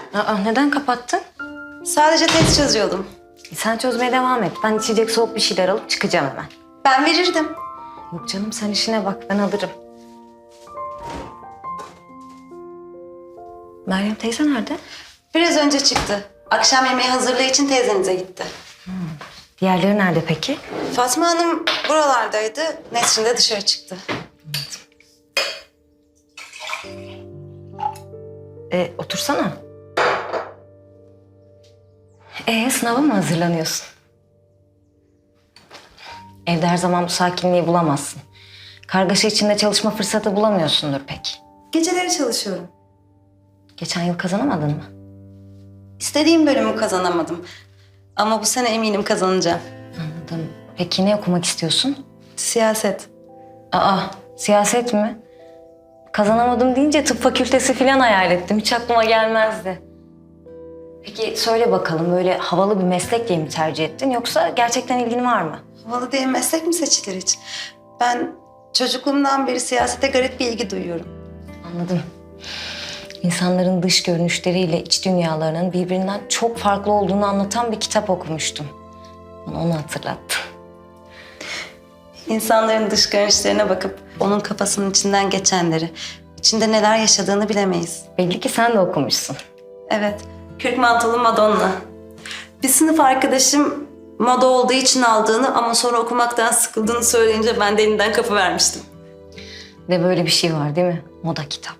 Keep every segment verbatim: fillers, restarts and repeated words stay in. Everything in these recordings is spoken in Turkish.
Aa, neden kapattın? Sadece test çözüyordum. E, sen çözmeye devam et. Ben içecek soğuk bir şeyler alıp çıkacağım hemen. Ben verirdim. Yok canım, sen işine bak, ben alırım. Meryem teyze nerede? Biraz önce çıktı. Akşam yemeği hazırlığı için teyzenize gitti. Diğerleri nerede peki? Fatma Hanım buralardaydı. Nesrin de dışarı çıktı. E, otursana. Ee, sınava mı hazırlanıyorsun? Evde her zaman bu sakinliği bulamazsın. Kargaşa içinde çalışma fırsatı bulamıyorsundur pek. Geceleri çalışıyorum. Geçen yıl kazanamadın mı? İstediğim bölümü kazanamadım. Ama bu sene eminim kazanacağım. Anladım. Peki ne okumak istiyorsun? Siyaset. Aa, siyaset mi? Kazanamadım deyince tıp fakültesi falan hayal ettim. Hiç aklıma gelmezdi. Peki söyle bakalım, böyle havalı bir meslek diye mi tercih ettin yoksa gerçekten ilgin var mı? Havalı diye meslek mi seçilir hiç? Ben çocukluğumdan beri siyasete garip bir ilgi duyuyorum. Anladım. İnsanların dış görünüşleriyle iç dünyalarının birbirinden çok farklı olduğunu anlatan bir kitap okumuştum. Bana onu hatırlattı. İnsanların dış görünüşlerine bakıp onun kafasının içinden geçenleri, içinde neler yaşadığını bilemeyiz. Belli ki sen de okumuşsun. Evet, kürk mantolu Madonna. Bir sınıf arkadaşım moda olduğu için aldığını ama sonra okumaktan sıkıldığını söyleyince ben de elinden kapı vermiştim. Ve böyle bir şey var değil mi? Moda kitap.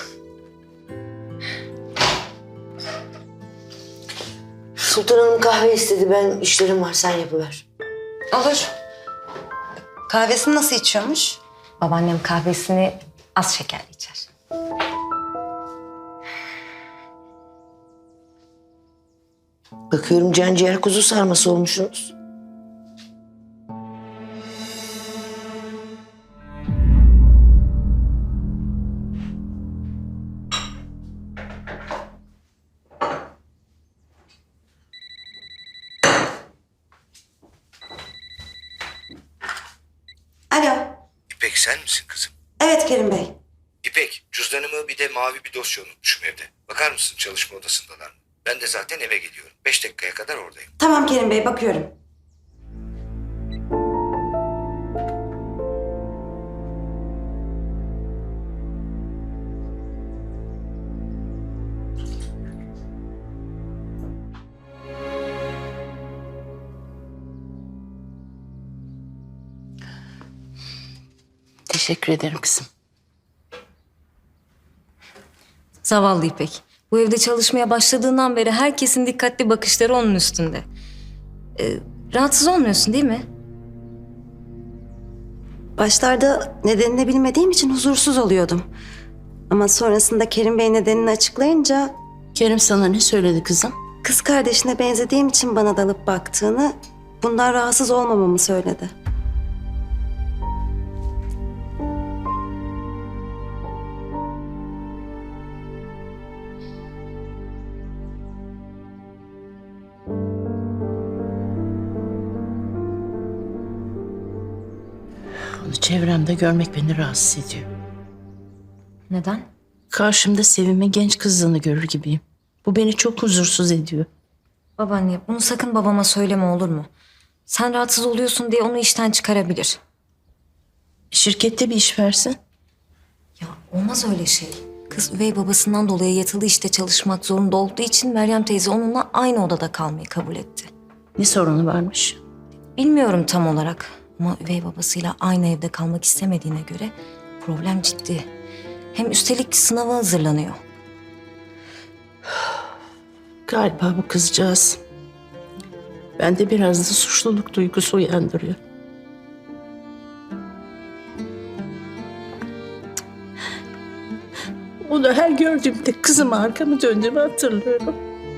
Sultan Hanım kahve istedi. Ben işlerim var. Sen yapıver. Olur. Kahvesini nasıl içiyormuş? Babaannem kahvesini az şekerli içer. Bakıyorum can ciğer kuzu sarması olmuşsunuz. Alo. İpek sen misin kızım? Evet Kerim Bey. İpek, cüzdanımı bir de mavi bir dosya unutmuşum evde. Bakar mısın çalışma odasındalar mı? Ben de zaten eve geliyorum. Beş dakikaya kadar oradayım. Tamam Kerim Bey, bakıyorum. Teşekkür ederim kızım. Zavallı İpek. Bu evde çalışmaya başladığından beri herkesin dikkatli bakışları onun üstünde. Ee, rahatsız olmuyorsun değil mi? Başlarda nedenini bilmediğim için huzursuz oluyordum. Ama sonrasında Kerim Bey nedenini açıklayınca Kerim sana ne söyledi kızım? kız kardeşine benzediğim için bana dalıp baktığını, bundan rahatsız olmamamı söyledi. Onu çevremde görmek beni rahatsız ediyor. Neden? Karşımda Sevim'in genç kızını görür gibiyim. Bu beni çok huzursuz ediyor. Babaanne, bunu sakın babama söyleme, olur mu? Sen rahatsız oluyorsun diye onu işten çıkarabilir. Şirkette bir iş versin. Ya olmaz öyle şey. Kız üvey babasından dolayı yatılı işte çalışmak zorunda olduğu için Meryem teyze onunla aynı odada kalmayı kabul etti. Ne sorunu varmış? Bilmiyorum tam olarak ama üvey babasıyla aynı evde kalmak istemediğine göre problem ciddi. Hem üstelik sınava hazırlanıyor. Galiba bu kızcağız bende biraz da suçluluk duygusu uyandırıyor. Onu her gördüğümde kızıma arkamı döndüğümü hatırlıyorum.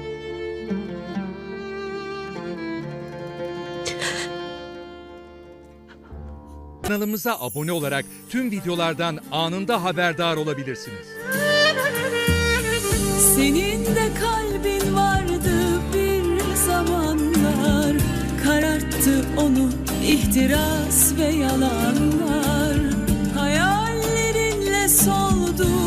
Kanalımıza abone olarak tüm videolardan anında haberdar olabilirsiniz. Senin de kalbin vardı bir zamanlar, kararttı onu ihtiras ve yalanlar. Hayallerinle soldu